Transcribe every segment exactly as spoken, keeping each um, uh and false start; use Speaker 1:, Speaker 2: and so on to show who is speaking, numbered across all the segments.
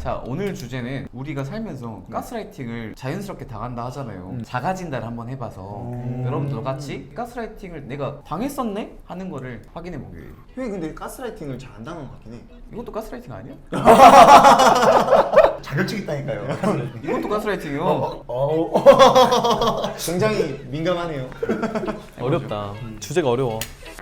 Speaker 1: 자, 오늘 주제는 우리가 살면서 가스라이팅을 자연스럽게 당한다 하잖아요. 음. 자가진단을 한번 해봐서 음. 여러분들도 같이 가스라이팅을 내가 당했었네? 하는 거를 확인해 보기 위해.
Speaker 2: 형이 근데 가스라이팅을 잘 안 당한 것 같긴 해.
Speaker 1: 이것도 가스라이팅 아니야?
Speaker 3: 자격증 있다니까요.
Speaker 1: 이것도 가스라이팅이요.
Speaker 3: 어, 어.
Speaker 2: 굉장히 민감하네요.
Speaker 4: 어렵다. 주제가 어려워.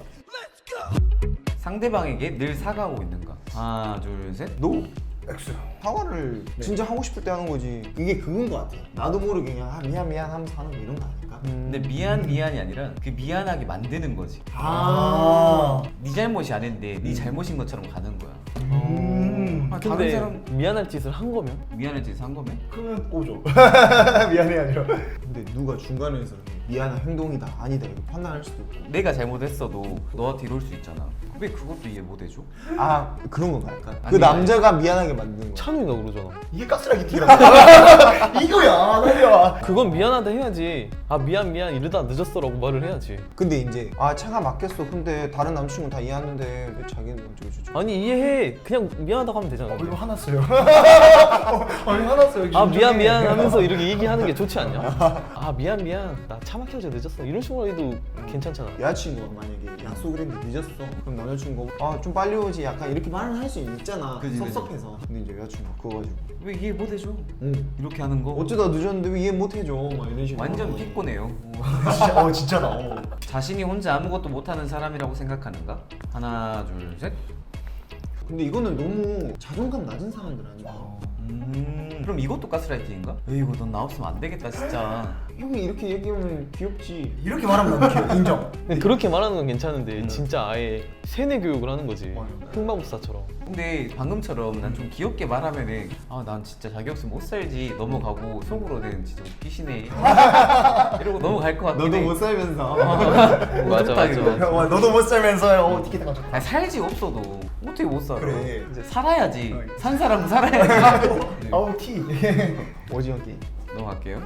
Speaker 1: 상대방에게 늘 사과하고 있는가? 하나, 둘, 셋. 노.
Speaker 3: X.
Speaker 2: 사과를 진짜 하고 싶을 때 하는 거지. 이게 그건 것 같아. 나도 모르게 그냥 아, 미안 미안 하면서 하는 거 이런 거 아닐까?
Speaker 1: 근데 미안 미안이 아니라 그 미안하게 만드는 거지.
Speaker 2: 아.
Speaker 1: 네 잘못이 아닌데 네 잘못인 것처럼 가는 거야.
Speaker 3: 음.
Speaker 1: 아, 다른
Speaker 4: 근데
Speaker 1: 사람
Speaker 4: 미안할 짓을 한 거면?
Speaker 1: 미안할 짓을 한 거면?
Speaker 3: 그러면 오죠. 미안해 아니라.
Speaker 2: 근데 누가 중간에서 이렇게 미안한 행동이다 아니다 이거 판단할 수도 있고.
Speaker 1: 내가 잘못했어도 너한테 이럴 수 있잖아. 왜 그것도 이해 못 해줘?
Speaker 2: 아 그런 건가 약간? 그
Speaker 1: 아니,
Speaker 2: 남자가 미안하게 만드는 거야.
Speaker 4: 찬우이가 그러잖아.
Speaker 3: 이게 가스라이팅이라고. 이거야, 나야.
Speaker 4: 그건 미안하다 해야지. 아 미안 미안 이러다 늦었어라고 말을 해야지.
Speaker 2: 근데 이제 아 차가 막혔어. 근데 다른 남친은 다 이해하는데 왜 자기는 어쩌고 저쩌고.
Speaker 4: 아니 이해해. 그냥 미안하다고 하면 되잖아.
Speaker 3: 어, 이거 화났어요. 어, 이거 화났어요.
Speaker 4: 아 미안 미안 하면서 이렇게 얘기하는 게 좋지 않냐? 아 미안 미안 나 차 막혀서 늦었어 이런 식으로 해도 괜찮잖아.
Speaker 2: 여자친구가 만약에 약속을 했는데 늦었어. 그럼 남자친구가 아 좀 빨리 오지 약간 이렇게 말을 할 수 있잖아.
Speaker 1: 그지, 그지.
Speaker 2: 섭섭해서. 근데 이제 여자친구가 그거 가지고
Speaker 1: 왜 이해 못 해줘?
Speaker 2: 응.
Speaker 1: 이렇게 하는 거
Speaker 2: 어쩌다 늦었는데 왜 이해 못 해줘? 막 이런 식으로.
Speaker 1: 완전 피곤해요.
Speaker 3: 진짜, 어, 진짜다. 어.
Speaker 1: 자신이 혼자 아무것도 못하는 사람이라고 생각하는가? 하나, 둘, 셋.
Speaker 2: 근데 이거는 너무 자존감 낮은 사람들 아닌가?
Speaker 1: 음, 그럼 이것도 가스라이팅인가? 에이구, 넌 나 없으면 안 되겠다 진짜.
Speaker 2: 형이 이렇게 얘기하면 귀엽지.
Speaker 3: 이렇게 말하면 너무 귀여워. 인정.
Speaker 4: 근데 그렇게 말하는 건 괜찮은데 진짜 아예 세뇌 교육을 하는 거지.
Speaker 3: 맞아요.
Speaker 4: 흑마법사처럼.
Speaker 1: 근데 방금처럼 난 좀 귀엽게 말하면은 아 난 진짜 자기 없으면 못 살지 넘어가고 속으로는 진짜 웃기시네 이러고 넘어갈 것 같긴
Speaker 2: 너도
Speaker 1: 해.
Speaker 2: 못 살면서.
Speaker 4: 맞아
Speaker 1: 좋다,
Speaker 4: 맞아
Speaker 1: 이거.
Speaker 4: 맞아.
Speaker 3: 어, 너도 못 살면서 어, 티켓팅 좋다.
Speaker 1: 아니, 살지 없어도 어떻게 못 살아?
Speaker 3: 그래.
Speaker 1: 이제 살아야지.
Speaker 3: 어,
Speaker 1: 산 사람은 살아야지. 네.
Speaker 3: 아우 티.
Speaker 2: 오징어 게임.
Speaker 1: 넘어갈게요.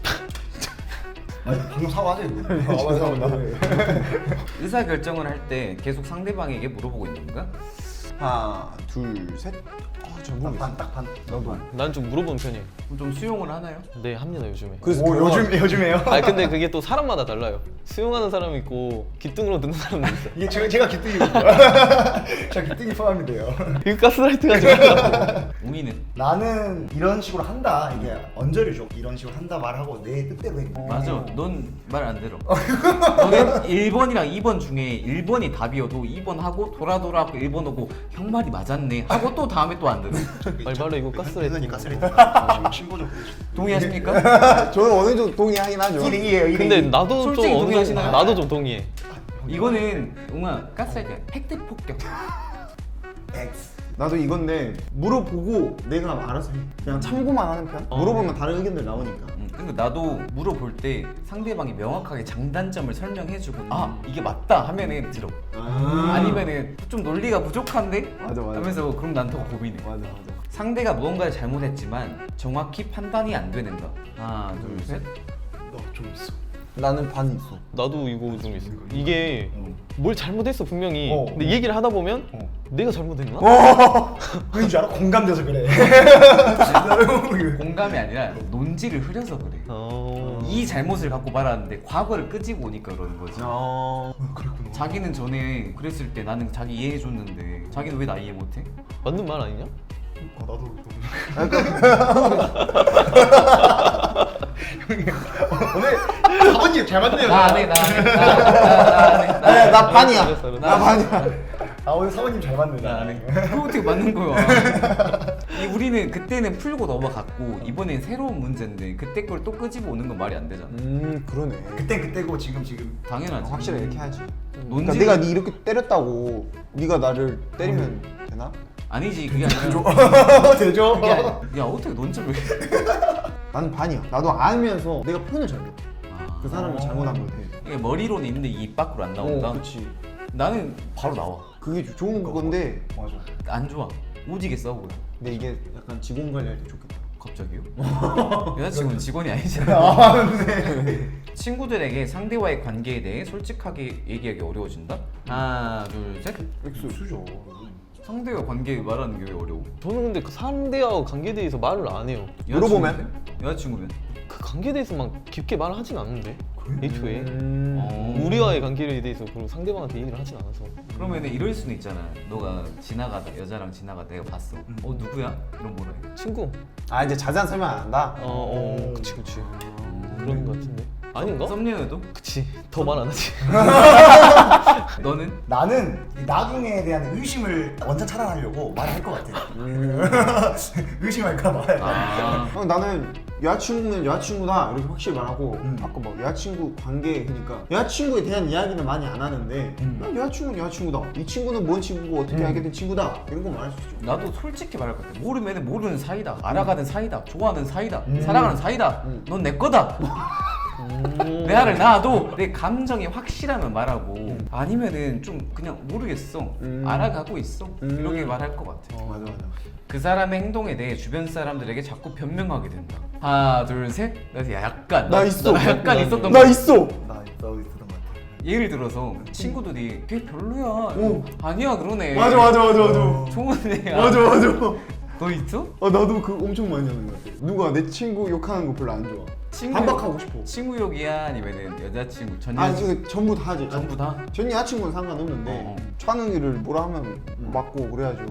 Speaker 3: 아니 방금 사과하자 이거. 아, 맞아 맞아.
Speaker 1: 의사 결정을 할 때 계속 상대방에게 물어보고 있는 건가?
Speaker 2: 하나, 둘, 셋. 아, 잘 모르겠어.
Speaker 3: 반, 딱 반.
Speaker 2: 나도.
Speaker 4: 난 좀 물어보는 편이에요.
Speaker 1: 그럼 좀 수용을 하나요?
Speaker 4: 네 합니다 요즘에.
Speaker 2: 그래서
Speaker 3: 오,
Speaker 2: 결혼-
Speaker 3: 요즘 요즘에요?
Speaker 4: 아 근데 그게 또 사람마다 달라요. 수용하는 사람이 있고 기뚱으로 듣는 사람도 있어.
Speaker 3: 이게 제가 제가 기뚱이거든요. 제가 기뚱이 포함이 돼요.
Speaker 4: 이거 가스라이트가 좀.
Speaker 1: 웅이는?
Speaker 3: 나는 이런 식으로 한다. 이게 언저리죠. 이런 식으로 한다 말하고 내 뜻대로 해.
Speaker 1: 맞아. 넌 말 안 들어. 너는 일 번이랑 이 번 중에 일 번이 답이어도 이 번 하고 돌아 돌아 하고 일 번 오고 형 말이 맞았네 하고 또 다음에 또 안 들어.
Speaker 4: 말발로 이거 가스라이팅.
Speaker 3: 가스라이팅. 신고죠.
Speaker 1: 동의하십니까?
Speaker 2: 저는 어느 정도 동의하긴 하죠.
Speaker 3: 일이에요.
Speaker 4: 근데 나도
Speaker 1: 솔직히
Speaker 4: 좀 어느
Speaker 1: 동의하시나요?
Speaker 4: 나도 좀 동의해.
Speaker 1: 이거는 웅아 가스라이팅 팩트 폭격.
Speaker 3: X.
Speaker 2: 나도 이건데 물어보고 내가 알아서 해. 그냥 참고만 하는 편.
Speaker 4: 어.
Speaker 2: 물어보면 다른 의견들 나오니까.
Speaker 1: 음, 근데 나도 물어볼 때 상대방이 명확하게 장단점을 설명해주고 아 이게 맞다 하면은 들어.
Speaker 2: 아.
Speaker 1: 아니면은 좀 논리가 부족한데?
Speaker 2: 맞아, 맞아.
Speaker 1: 하면서 그럼 난 더 고민해.
Speaker 2: 맞아 맞아.
Speaker 1: 상대가 무언가를 잘못했지만 정확히 판단이 안 되는가? 하나 둘 셋.
Speaker 3: 너좀 있어.
Speaker 2: 나는 반 있어.
Speaker 4: 나도 이거 좀 있어. 이게 뭘 잘못했어 분명히.
Speaker 3: 어.
Speaker 4: 근데 얘기를 하다 보면
Speaker 3: 어.
Speaker 4: 내가 잘못했나?
Speaker 3: 그런 줄 알아? 공감돼서 그래.
Speaker 1: 공감이 아니라 논지를 흐려서 그래.
Speaker 4: 어.
Speaker 1: 이 잘못을 갖고 말하는데 과거를 끄집어 오니까 그러는 거지.
Speaker 2: 어.
Speaker 3: 그랬구나.
Speaker 1: 자기는 전에 그랬을 때 나는 자기 이해해줬는데 자기는 왜 나 이해 못해?
Speaker 4: 맞는 말 아니냐?
Speaker 3: 아 나도 너무. 오늘 사모님 잘 맞네요.
Speaker 1: 나 안 해, 나 안 해, 나 안 해, 나
Speaker 2: 나, 나 반이야.
Speaker 4: 알았어, 알았어.
Speaker 2: 나 반이야.
Speaker 3: 아 오늘 사모님 잘 맞네.
Speaker 1: 나 안 해. 그거 어떻게 맞는 거야? 이 우리는 그때는 풀고 넘어갔고 이번엔 새로운 문제인데 그때 걸 또 끄집어 오는 건 말이 안 되잖아.
Speaker 2: 음 그러네.
Speaker 3: 그때 그때고 지금 지금.
Speaker 1: 당연하지.
Speaker 2: 확실히 이렇게 해야지.
Speaker 1: 논지
Speaker 2: 그러니까 내가 네 이렇게 때렸다고 네가 나를 때리면 되나?
Speaker 1: 아니지 그게 아니라
Speaker 3: 되죠.
Speaker 1: 그게 아니- 야 어떻게 논지를 왜?
Speaker 2: 나는 반이야. 나도 알면서 내가 표현을 잘못해.
Speaker 1: 아,
Speaker 2: 그 사람이 잘못한 걸 해.
Speaker 1: 이게 머리로는 있는데 입 밖으로 안 나온다.
Speaker 2: 어, 그렇지.
Speaker 1: 나는 바로 나와.
Speaker 2: 그게 조- 좋은 건데
Speaker 3: 맞아.
Speaker 1: 안 좋아. 오지게 싸우고.
Speaker 2: 근데 이게 약간 직원 관리할 때 좋겠다.
Speaker 1: 갑자기요? 여자친구는 직원이 아니잖아.
Speaker 3: 아 네.
Speaker 1: 친구들에게 상대와의 관계에 대해 솔직하게 얘기하기 어려워진다? 하나 둘 셋.
Speaker 3: 수죠.
Speaker 1: 상대와 관계 말하는 게 왜 어려워?
Speaker 4: 저는 근데 그 상대와 관계에 대해서 말을 안 해요.
Speaker 2: 물어보면?
Speaker 1: 여자친구면?
Speaker 4: 그 관계에 대해서 막 깊게 말을 하진 않는데 애초에
Speaker 2: 음.
Speaker 1: 어.
Speaker 4: 우리와의 관계에 대해서 그리고 상대방한테 얘기를 하진 않아서.
Speaker 1: 그러면 이럴 수는 있잖아. 너가 지나가다 여자랑 지나가다 내가 봤어. 어 누구야? 이런 뭐라 해?
Speaker 4: 친구.
Speaker 2: 아 이제 자세한 설명 안 한다?
Speaker 4: 어, 어 그치 그치. 그런 거 같은데. 아닌가?
Speaker 1: 썸녀여도?
Speaker 4: 그치. 더 말 안 하지.
Speaker 1: 너는?
Speaker 3: 나는 이 나중에 대한 의심을 원천 차단하려고 말할 것 같아. 의심할까 봐.
Speaker 1: 아
Speaker 2: 어, 나는 여자친구는 여자친구다 이렇게 확실히 말하고
Speaker 3: 음.
Speaker 2: 아까 막 여자친구 관계 그러니까 여자친구에 대한 이야기는 많이 안 하는데
Speaker 3: 음.
Speaker 2: 그냥 여자친구는 여자친구다 이 친구는 뭔 친구고 어떻게
Speaker 3: 음.
Speaker 2: 알게 된 친구다 이런 거 말할 수 있죠.
Speaker 1: 나도 솔직히 말할 것 같아. 모르면 모르는 사이다. 알아가는 사이다. 좋아하는 사이다.
Speaker 3: 음.
Speaker 1: 사랑하는 사이다.
Speaker 2: 음.
Speaker 1: 넌 내 거다.
Speaker 4: 음.
Speaker 1: 내 알을 낳아도 내 감정이 확실하면 말하고 아니면은 좀 그냥 모르겠어.
Speaker 2: 음.
Speaker 1: 알아가고 있어.
Speaker 2: 음.
Speaker 1: 이렇게 말할 것 같아.
Speaker 2: 맞아 맞아.
Speaker 1: 그 사람의 행동에 대해 주변 사람들에게 자꾸 변명하게 된다. 하나, 둘, 셋. 나 약간
Speaker 2: 나 있어.
Speaker 1: 나 약간 있었던
Speaker 2: 나
Speaker 1: 거.
Speaker 2: 있어.
Speaker 3: 나 나도 있었던 것 같아.
Speaker 1: 예를 들어서 친구들이 걔 별로야.
Speaker 2: 오.
Speaker 1: 아니야 그러네.
Speaker 2: 맞아 맞아 맞아 맞아.
Speaker 3: 어.
Speaker 1: 좋은 애야.
Speaker 2: 맞아 맞아.
Speaker 1: 너 있어?
Speaker 2: 아 나도 그 엄청 많이 하는 것 같아. 누가 내 친구 욕하는 거 별로 안 좋아.
Speaker 1: 친구
Speaker 2: 반박하고 싶어.
Speaker 1: 친구 욕이야 아니면은 여자친구 전
Speaker 2: 아
Speaker 1: 여자친구
Speaker 2: 이거 전부 다 하지.
Speaker 1: 전부 다?
Speaker 2: 전 여자친구는 상관없는데
Speaker 1: 어, 어.
Speaker 2: 찬웅이를 뭐라 하면 맞고 그래야죠.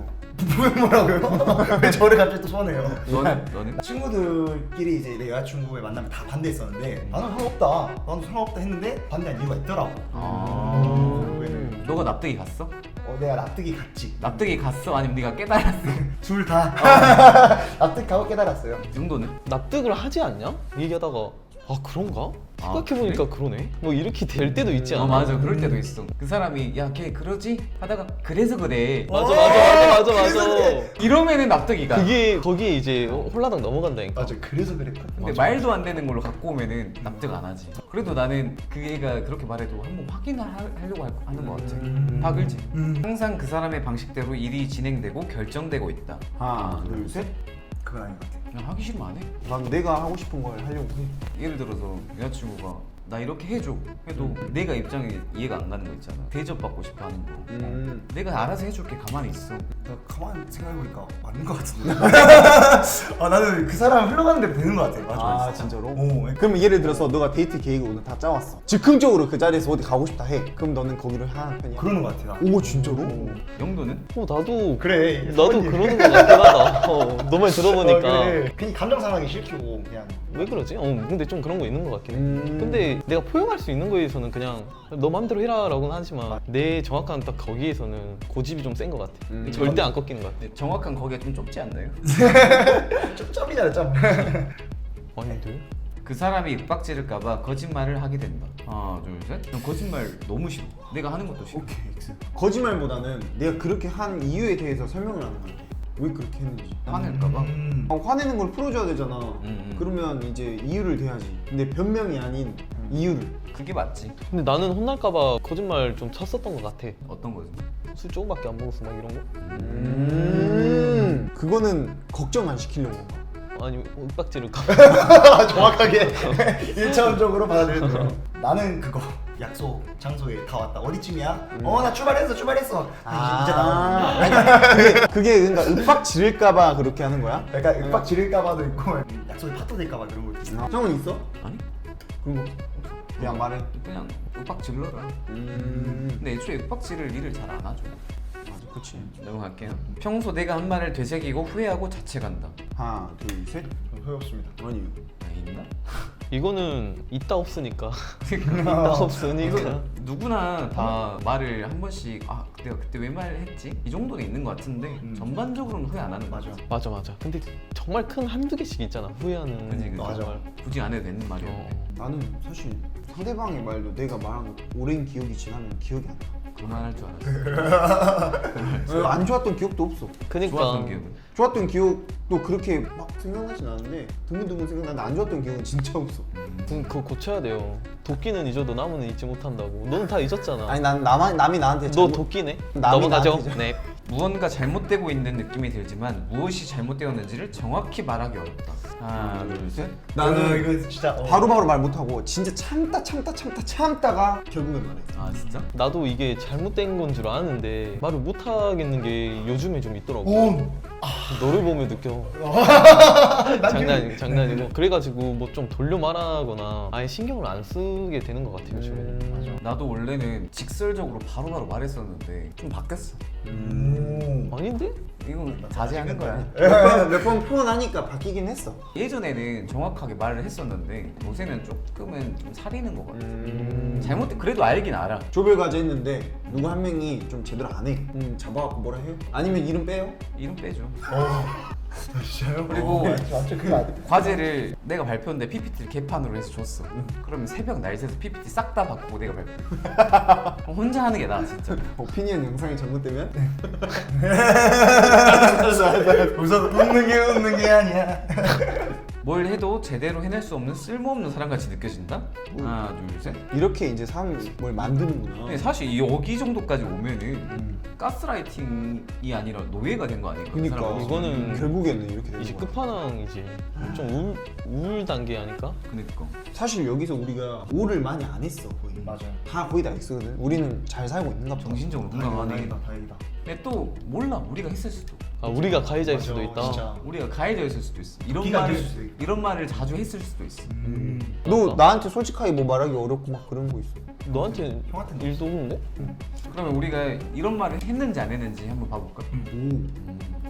Speaker 3: 뭐라고요? 왜 저를 갑자기 또 소환해요?
Speaker 1: 너는? 너는?
Speaker 3: 친구들끼리 이제 내 여자친구의 만남에 다 반대했었는데 나는 상관없다. 나는 상관없다 했는데 반대한 이유가 있더라고.
Speaker 1: 아.
Speaker 3: 결국에는
Speaker 1: 너가 납득이 갔어?
Speaker 3: 어, 내가 납득이 갔지.
Speaker 1: 납득이 갔어? 아니면 네가 깨달았어?
Speaker 3: 둘 다 납득하고 깨달았어요.
Speaker 1: 이 정도는?
Speaker 4: 납득을 하지 않냐? 얘기하다가 아 그런가?
Speaker 1: 아,
Speaker 4: 생각해보니까 그러네? 뭐 이렇게 될 때도 있지 않아?
Speaker 1: 어 맞아 그럴 때도 있어. 그 사람이 야 걔 그러지? 하다가 그래서 그래.
Speaker 4: 맞아 맞아 맞아 맞아 맞아.
Speaker 1: 이러면은 납득이 가.
Speaker 4: 그게 거기에 이제 홀라당 넘어간다니까.
Speaker 3: 맞아. 그래서 그랬거든.
Speaker 1: 근데 말도 안 되는 걸로 갖고 오면은 납득 안 하지. 그래도 나는 그 애가 그렇게 말해도 한번 확인을 하, 하려고 할- 하는 것 같아.
Speaker 3: 음.
Speaker 1: 박을지.
Speaker 3: 음.
Speaker 1: 항상 그 사람의 방식대로 일이 진행되고 결정되고 있다.
Speaker 2: 하나 둘 셋.
Speaker 3: 그건 아닌 것 같아.
Speaker 1: 그냥 하기 싫으면 안 해.
Speaker 2: 난 내가 하고 싶은 걸 하려고 해.
Speaker 1: 예를 들어서 여자친구가 나 이렇게 해줘 해도 내가 입장이 이해가 안 가는 거 있잖아. 대접받고 싶어 하는 거.
Speaker 2: 음.
Speaker 1: 내가 알아서 해줄게 가만히 있어.
Speaker 3: 나 가만 생각해보니까 맞는 것 같은데. 아 나는 그 사람 흘러가는 대로 되는 것 같아. 맞아.
Speaker 2: 아
Speaker 3: 맞아.
Speaker 2: 진짜로?
Speaker 3: 오.
Speaker 2: 그럼 예를 들어서 너가 데이트 계획을 오늘 다 짜왔어. 즉흥적으로 그 자리에서 어디 가고 싶다 해. 그럼 너는 거기를 하는 편이야?
Speaker 3: 그러는 것 같아. 나.
Speaker 2: 오 진짜로?
Speaker 1: 영도는?
Speaker 4: 어 나도
Speaker 3: 그래.
Speaker 4: 나도 그러는 거 같긴 하다. 어, 너말 들어보니까
Speaker 3: 어, 그래. 괜히 감정 상하기 싫고 그냥.
Speaker 4: 왜 그러지? 어 근데 좀 그런 거 있는 것 같긴 해.
Speaker 2: 음.
Speaker 4: 근데 내가 포용할 수 있는 거에서는 그냥 너 맘대로 해라라고는 하지만 내 정확한 딱 거기에서는 고집이 좀 센 것 같아.
Speaker 2: 음.
Speaker 4: 절대 안 꺾이는 것 같아.
Speaker 1: 근데 정확한 거기가 좀 좁지 않나요?
Speaker 3: 좀 점이잖아 점.
Speaker 4: 아닌데?
Speaker 1: 그 사람이 윽박지를까봐 거짓말을 하게 된다. 하나 둘 셋. 난 거짓말 너무 싫어. 내가 하는 것도 싫어.
Speaker 2: 오케이 X. 거짓말보다는 내가 그렇게 한 이유에 대해서 설명을 하는 거야. 왜 그렇게 했는지.
Speaker 1: 화낼까봐.
Speaker 3: 음.
Speaker 2: 아, 화내는 걸 풀어줘야 되잖아.
Speaker 1: 음.
Speaker 2: 그러면 이제 이유를 대야지. 근데 변명이 아닌 이유를.
Speaker 1: 그게 맞지.
Speaker 4: 근데 나는 혼날까봐 거짓말 좀 쳤었던 것 같아.
Speaker 1: 어떤 거지?
Speaker 4: 술 조금밖에 안 먹었어 막 이런 거?
Speaker 2: 음. 그거는 걱정 안 시키려고 한 거야.
Speaker 4: 아니 윽박지를까?
Speaker 3: 정확하게 일차원적으로 받아들여도 돼요. 나는 그거 약속 장소에 다 왔다. 어디쯤이야? 어 나 출발했어 출발했어. 아, 이제 나와.
Speaker 2: 아니, 그게, 그게 그러니까 윽박 지를까봐 그렇게 하는 거야?
Speaker 3: 약간 윽박 지를까봐도 있고 약속이 파토 될까봐 그런 거 있어.
Speaker 2: 형은 있어?
Speaker 1: 아니?
Speaker 2: 그런 거 그냥 말해.
Speaker 1: 그냥 윽박질러라.
Speaker 2: 음.
Speaker 1: 근데 애초에 윽박지를 일을 잘 안 하죠.
Speaker 2: 맞아, 그렇지.
Speaker 1: 넘어갈게요. 평소 내가 한 말을 되새기고 후회하고 자책한다.
Speaker 2: 하나, 둘, 셋.
Speaker 3: 소용 없습니다.
Speaker 2: 아니요.
Speaker 1: 아, 있나?
Speaker 4: 이거는 있다 없으니까.
Speaker 1: 그러니까
Speaker 4: 있다 없으니까.
Speaker 1: 이거 누구나 다 말을 한 번씩 아 내가 그때 왜 말했지? 이 정도는 있는 것 같은데
Speaker 3: 음.
Speaker 1: 전반적으로는 후회 안 하는
Speaker 3: 맞아.
Speaker 1: 거죠.
Speaker 4: 맞아 맞아. 근데 정말 큰 한두 개씩 있잖아 후회하는.
Speaker 1: 그지, 그지.
Speaker 3: 맞아.
Speaker 4: 정말.
Speaker 1: 굳이 안 해도 되는 말이었는데
Speaker 4: 어.
Speaker 2: 나는 사실 상대방의 말도 내가 말한 거 오랜 기억이 지나면 기억이 안 나.
Speaker 1: 그만할 줄 알았어.
Speaker 2: 어, 안 좋았던 기억도 없어.
Speaker 4: 그니까.
Speaker 1: 좋았던 기억은?
Speaker 2: 좋았던 기억도 그렇게 막 생각나진 않는데 드문드문 생각나는데 안 좋았던 기억은 진짜 없어.
Speaker 4: 그, 그거 고쳐야 돼요. 도끼는 잊어도 나무는 잊지 못한다고. 너는 다 잊었잖아.
Speaker 2: 아니 난 남아, 남이 나한테
Speaker 4: 너
Speaker 2: 잘못-
Speaker 4: 도끼네?
Speaker 2: 남이
Speaker 4: 넘어가죠?
Speaker 2: 나한테
Speaker 4: 네.
Speaker 1: 무언가 잘못되고 있는 느낌이 들지만 무엇이 잘못되었는지를 정확히 말하기 어렵다. 하나, 둘, 셋.
Speaker 2: 나는
Speaker 3: 어, 이거 진짜 어.
Speaker 2: 바로바로 말 못하고 진짜 참다 참다 참다 참다가 결국엔 말해.
Speaker 1: 아 진짜?
Speaker 4: 나도 이게 잘못된 건 줄 아는데 말을 못 하겠는 게 요즘에 좀 있더라고.
Speaker 3: 오.
Speaker 4: 너를 보면 느껴. 장난 장난이고. 그래가지고 뭐 좀 돌려 말하거나 아예 신경을 안 쓰게 되는 것 같아 요즘에.
Speaker 3: 음.
Speaker 1: 나도 원래는 직설적으로 바로바로 말했었는데 좀 바뀌었어.
Speaker 3: 음.
Speaker 4: 아닌데?
Speaker 1: 이건 자제하는 거야.
Speaker 2: 몇 번 표현하니까 바뀌긴 했어.
Speaker 1: 예전에는 정확하게 말을 했었는데 요새는 조금은 좀 사리는 것 같아.
Speaker 4: 음.
Speaker 1: 잘못돼 그래도 알긴 알아.
Speaker 2: 조별 과제 했는데 누구 한 명이 좀 제대로 안 해. 음, 잡아갖고 뭐라 해요? 아니면 이름 빼요?
Speaker 1: 이름 빼줘.
Speaker 3: 어. 진짜요?
Speaker 1: 그리고
Speaker 3: 어, 완전 그거 아니야.
Speaker 1: 과제를 내가 발표했는데 피피티를 개판으로 해서 줬어. 그러면 새벽 날 새서 피피티 싹 다 바꾸고 내가 발표. 혼자 하는 게 나아 진짜.
Speaker 2: 오피니언 영상이 잘못되면
Speaker 3: 웃어 웃는 게 웃는 게 아니야.
Speaker 1: 뭘 해도 제대로 해낼 수 없는 쓸모없는 사람같이 느껴진다? 하나 둘 셋.
Speaker 2: 이렇게 이제 사람을 만드는구나.
Speaker 1: 근데 사실 여기 정도까지 오면은 가스라이팅이 아니라 노예가 된 거 아닌가? 그
Speaker 2: 그러니까
Speaker 1: 사람은.
Speaker 4: 이거는
Speaker 2: 결국에는 이렇게 되는
Speaker 4: 이제
Speaker 2: 거야.
Speaker 4: 끝판왕이지. 좀 우울, 우울 단계 아닐까?
Speaker 1: 그니까.
Speaker 2: 사실 여기서 우리가 오를 많이 안 했어 거의.
Speaker 3: 맞아요.
Speaker 2: 다 거의 다 X거든. 우리는 잘 살고 있는가 보다.
Speaker 1: 정신적으로
Speaker 3: 다행이다,
Speaker 1: 건강하네.
Speaker 3: 다행이다, 다행이다.
Speaker 1: 근데 또 몰라 우리가 했을 수도.
Speaker 4: 아 우리가 가해자일
Speaker 3: 맞아,
Speaker 4: 수도 있다.
Speaker 3: 진짜.
Speaker 1: 우리가 가해자였을 수도 있어. 이런
Speaker 3: 기가
Speaker 1: 말을
Speaker 3: 될 수도 있고.
Speaker 1: 이런 말을 자주 했을 수도 있어.
Speaker 3: 음.
Speaker 2: 너 나한테 솔직하게 뭐 말하기 어렵고 막 그런 거 있어.
Speaker 4: 너한테
Speaker 3: 형한테는
Speaker 4: 일도 없는데?
Speaker 1: 그러면 우리가 이런 말을 했는지 안 했는지 한번 봐볼까?
Speaker 2: 오.
Speaker 1: 음.